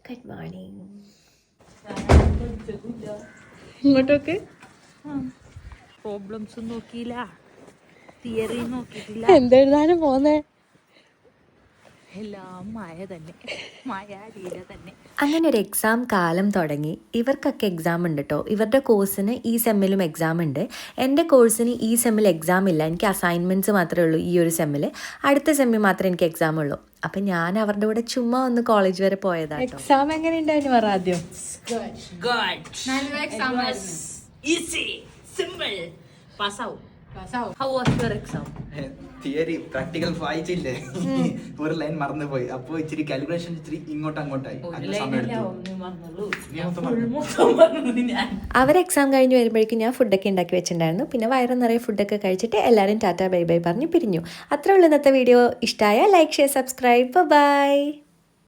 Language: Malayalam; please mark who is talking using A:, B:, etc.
A: Good morning.
B: ഇങ്ങോട്ടൊക്കെ
C: പ്രോബ്ലംസ് നോക്കിയില്ല, തിയറി നോക്കിയിട്ടില്ല,
B: എന്തെഴുതാനും പോന്നേ.
C: എല്ലാം മായ തന്നെ, മായാലീല തന്നെ.
A: അങ്ങനെ ഒരു എക്സാം കാലം തുടങ്ങി. ഇവർക്കൊക്കെ എക്സാം ഉണ്ട് കേട്ടോ. ഇവരുടെ കോഴ്സിന് ഈ സെമ്മിലും എക്സാം ഉണ്ട്. എൻ്റെ കോഴ്സിന് ഈ സെമ്മിൽ എക്സാം ഇല്ല. എനിക്ക് അസൈൻമെൻറ്റ്സ് മാത്രമേ ഉള്ളൂ ഈ ഒരു സെമ്മിൽ. അടുത്ത സെമ്മിൽ മാത്രമേ എനിക്ക് എക്സാം ഉള്ളൂ. അപ്പം ഞാൻ അവരുടെ കൂടെ ചുമ്മാ ഒന്ന് കോളേജ് വരെ പോയതാണ്.
B: എക്സാം എങ്ങനെ ഉണ്ടായിരുന്നു പറ ആദ്യം.
C: ഈസി, സിമ്പിൾ, പാസ്സാവും. How was your exam?
D: Theory practical വായിച്ചില്ലേ, ഒരു ലൈൻ മറന്നുപോയി. അപ്പൊ ഇച്ചിരി കാൽക്കുലേഷൻ ഇച്ചിരി അങ്ങോട്ടായി.
A: അവർ എക്സാം കഴിഞ്ഞ് വരുമ്പോഴേക്കും ഞാൻ ഫുഡൊക്കെ ഉണ്ടാക്കി വെച്ചിട്ടുണ്ടായിരുന്നു. പിന്നെ വയറ് നിറയെ ഫുഡൊക്കെ കഴിച്ചിട്ട് എല്ലാവരും ടാറ്റ ബൈ ബൈ പറഞ്ഞ് പിരിഞ്ഞു. അത്രേ ഉള്ളൂ ഇന്നത്തെ വീഡിയോ. ഇഷ്ടമായ ലൈക്ക്, ഷെയർ, സബ്സ്ക്രൈബ്. ബൈ.